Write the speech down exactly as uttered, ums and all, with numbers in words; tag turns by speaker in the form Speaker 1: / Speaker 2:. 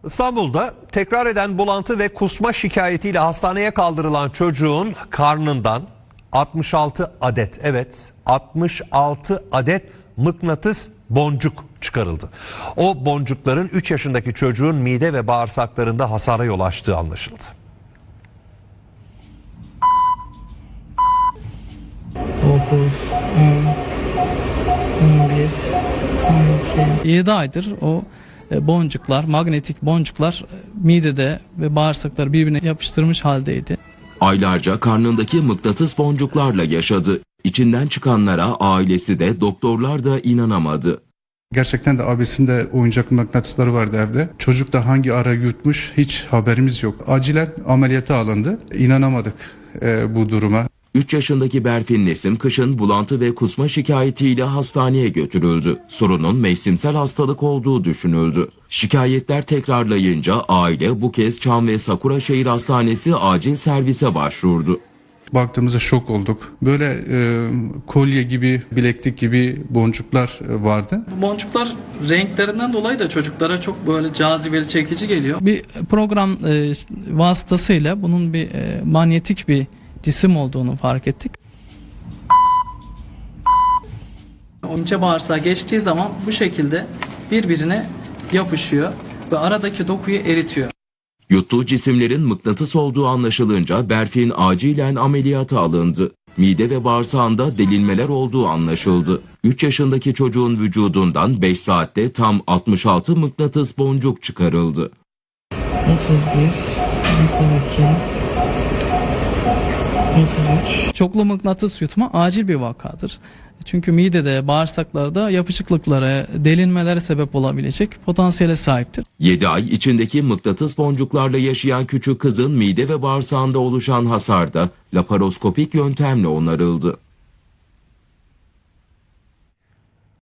Speaker 1: İstanbul'da tekrar eden bulantı ve kusma şikayetiyle hastaneye kaldırılan çocuğun karnından altmış altı adet, evet altmış altı adet mıknatıs boncuk çıkarıldı. O boncukların üç yaşındaki çocuğun mide ve bağırsaklarında hasara yol açtığı anlaşıldı.
Speaker 2: dokuz, on, on bir, on iki.
Speaker 3: yedi aydır o boncuklar, magnetik boncuklar midede ve bağırsakları birbirine yapıştırmış haldeydi.
Speaker 4: Aylarca karnındaki mıknatıs boncuklarla yaşadı. İçinden çıkanlara ailesi de doktorlar da inanamadı.
Speaker 5: Gerçekten de abisinde oyuncak mıknatısları vardı evde. Çocuk da hangi ara yutmuş hiç haberimiz yok. Acilen ameliyata alındı. İnanamadık e, bu duruma.
Speaker 4: üç yaşındaki Berfin Nesim kışın bulantı ve kusma şikayetiyle hastaneye götürüldü. Sorunun mevsimsel hastalık olduğu düşünüldü. Şikayetler tekrarlayınca aile bu kez Çam ve Sakuraşehir Hastanesi acil servise başvurdu.
Speaker 5: Baktığımızda şok olduk. Böyle e, kolye gibi, bileklik gibi boncuklar e, vardı.
Speaker 6: Bu boncuklar renklerinden dolayı da çocuklara çok böyle cazibeli, çekici geliyor.
Speaker 3: Bir program e, vasıtasıyla bunun bir e, manyetik bir cisim olduğunu fark ettik.
Speaker 6: O ince bağırsağa geçtiği zaman bu şekilde birbirine yapışıyor ve aradaki dokuyu eritiyor.
Speaker 4: Yuttuğu cisimlerin mıknatıs olduğu anlaşılınca Berfin acilen ameliyata alındı. Mide ve bağırsağında delinmeler olduğu anlaşıldı. üç yaşındaki çocuğun vücudundan beş saatte tam altmış altı mıknatıs boncuk çıkarıldı.
Speaker 2: otuz bir, otuz iki, otuz üç.
Speaker 3: Çoklu mıknatıs yutma acil bir vakadır. Çünkü midede, bağırsaklarda yapışıklıklara, delinmelere sebep olabilecek potansiyele sahiptir.
Speaker 4: yedi ay içindeki mıknatıs boncuklarla yaşayan küçük kızın mide ve bağırsağında oluşan hasar da laparoskopik yöntemle onarıldı.